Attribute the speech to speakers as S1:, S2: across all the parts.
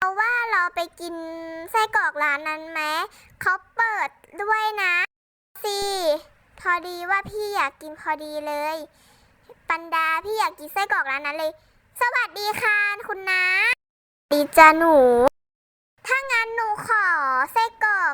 S1: ว่าเราไปกินไส้กรอกร้านนั้นไหมเขาเปิดด้วยนะสิพอดีว่าพี่อยากกินพอดีเลยปันดาพี่อยากกินไส้กรอกร้านนั้นเลยสวัสดีค่ะคุณน้าดีจ้าหนูถ้างั้นหนูขอไส้กรอก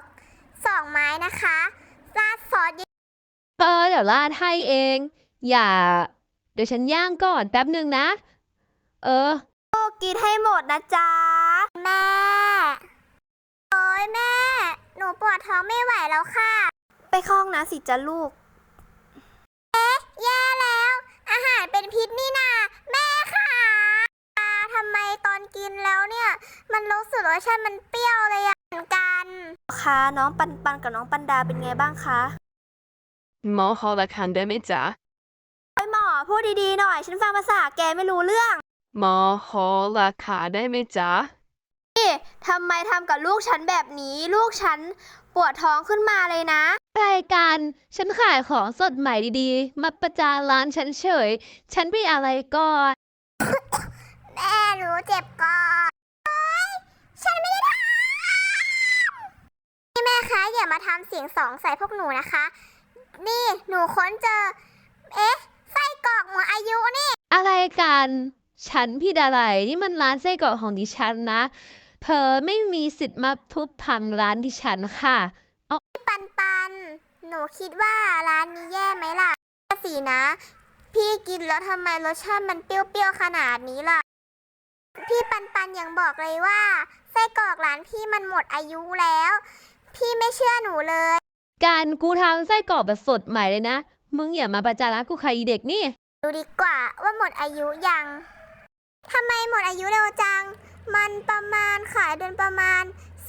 S1: 2 ไม้นะคะราดซอสเยอะ
S2: เดี๋ยวราดให้เอง อย่า เดี๋ยวฉันย่างก่อนแป๊บหนึ่งนะ เออ
S1: กินให้หมดนะจ๊ะแม่โอ้ยแม่หนูปวดท้องไม่ไหวแล้วค่ะไปเข้าห้องน้ำสิจ้ะลูกแย่แล้วอาหารเป็นพิษนี่นาแม่ค่ะทำไมตอนกินแล้วเนี่ยมันรู้สึกว่าฉันมันเปรี้ยวเลยอะเหมือนกันค่ะน้องปันปันกับน้องปันดาเป็นไงบ้างคะ
S3: หมอขอละคันได้ไหมจ๊ะ
S1: หมอพูดดีๆหน่อยฉันฟังภาษาแกไม่รู้เรื่อง
S3: หมอขอราคาได้ไหมจ๊ะ
S1: ทำไมทำกับลูกฉันแบบนี้ลูกฉันปวดท้องขึ้นมาเลยนะ
S2: รายการฉันขายของสดใหม่ดีๆ มาประจานร้านฉันเฉย ฉันไปอะไรก่อน
S1: แม่รู้เจ็บก่อนฉันไม่ได้ทำนี่แม่คะอย่ามาทำเสียงสองใส่พวกหนูนะคะ นี่หนูค้นเจอ ไส้กรอกหมดอายุนี่
S2: อะไรกัน ฉันผิดอะไร นี่มันร้านไส้กรอกของดิฉันนะ เธอไม่มีสิทธิ์มาทุบพังร้านดิฉันค่ะ
S1: ปันปันหนูคิดว่าร้านนี้แย่ไหมล่ะสินะ พี่กินแล้วทำไมรสชาติมันเปรี้ยวๆขนาดนี้ล่ะ พี่ปันปันยังบอกเลยว่าไส้กรอกร้านพี่มันหมดอายุแล้ว พี่ไม่เชื่อหนูเลย
S2: การกูทำไส้กรอกแบบสดใหม่เลยนะ มึงอย่ามาประจานร้านกูใครอีเด็กนี่
S1: ดูดีกว่าว่าหมดอายุยังทำไมหมดอายุเร็วจัง มันประมาณขายเดือนประมาณ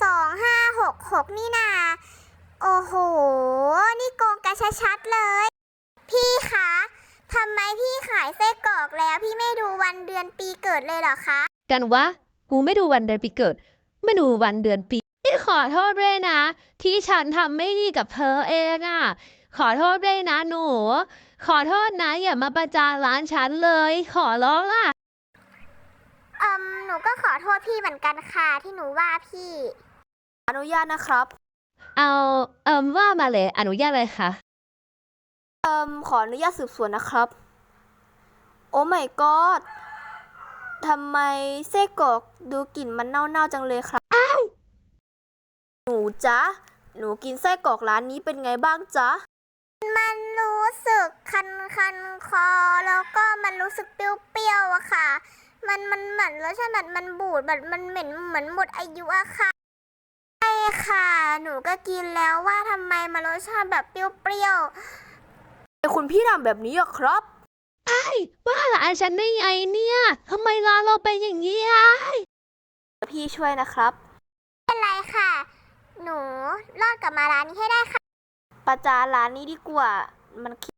S1: 2566นี่นาโอ้โห นี่โกงกันชัดๆเลย พี่คะทำไมพี่ขายไส้กรอกแล้วพี่ไม่ดูวันเดือนปีเกิดเลยเหรอคะ
S2: กันวะ กูไม่ดูวันเดือนปีเกิด ไม่ดูวันเดือนปีพี่ขอโทษด้วยนะ ที่ฉันทำไม่ดีกับเธอเองอ่ะ ขอโทษด้วยนะหนู ขอโทษนะอย่ามาประจานร้านฉันเลย ขอร้องล่ะ
S1: หนูก็ขอโทษพี่เหมือนกันค่ะที่หนูว่าพี่ อนุญาตนะครับ
S2: เอาว่ามาเลยอนุญาตเลยค่ะ
S1: ขออนุญาตสืบสวนนะครับ โอ้ my god ทำไมไส้กรอกดูกลิ่นมันเน่าๆจังเลยครับหนูจ๊ะ หนูกินไส้กรอกร้านนี้เป็นไงบ้างจ๊ะ มันรู้สึกคันคอแล้วก็มันรู้สึกเปรี้ยวๆอะค่ะ มันเหมือนรสชาติมันบูดแบบมันเหม็นเหมือนหมดอายุอะค่ะใช่ค่ะ หนูก็กินแล้วว่าทำไมมันรสชาติแบบเปรี้ยวๆคุณพี่ทำแบบนี้อะครับ
S2: ว่าร้านฉันได้ไงเนี่ยทำไมร้านเราเป็นอย่างนี้อ่ะ
S1: พี่ช่วยนะครับไม่เป็นไรค่ะ หนูรอดกลับมาร้านนี้ให้ได้ค่ะ ประจานร้านนี้ดีกว่า มัน